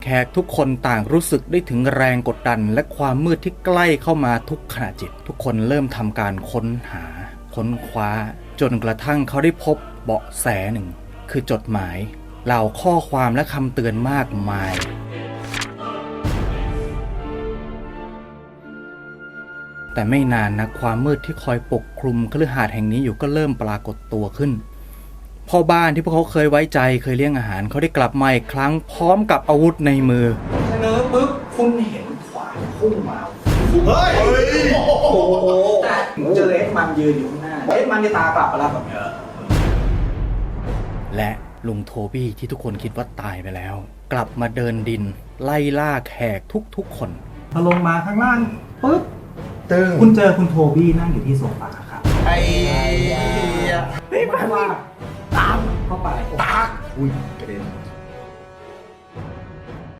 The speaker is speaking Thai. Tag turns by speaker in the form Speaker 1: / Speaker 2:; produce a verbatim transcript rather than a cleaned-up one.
Speaker 1: แขกทุกคนต่างรู้สึกได้ถึงแรงกดดันและความมืดที่ใกล้เข้ามาทุกขณะจิตทุกคนเริ่มทำการค้นหาค้นคว้าจนกระทั่งเขาได้พบเบาะแสหนึ่งคือจดหมายเหล่าข้อความและคำเตือนมากมายแต่ไม่นานนะความมืดที่คอยปกคลุมคฤหาสน์แห่งนี้อยู่ก็เริ่มปรากฏตัวขึ้นพ่อบ้านที่พวกเขาเคยไว้ใจเคยเลี้ยงอาหารเขาได้กลับมาอีกครั้งพร้อมกับอาวุธในมือเสนอปุ๊บคุณเห็นขวานพุ่งมาเฮ้ยโอ้โหแต่เจอเอ็ดมันยืนอยู่ข้างหน้าเอ็ดมันจะตากลับมาแล้วแบบและลุงโทบี้ที่ทุกคนคิดว่าตายไปแล้วกลับมาเดินดินไล่ล่าแขกทุกๆคนพอลงมาข้างล่างปุ๊บตึงคุณเจอคุณโทบี้นั่งอยู่ที่โซฟาครับไอ้เฮ้ยมันว่าตามเข้าไปตากอุ้ยกระเด็น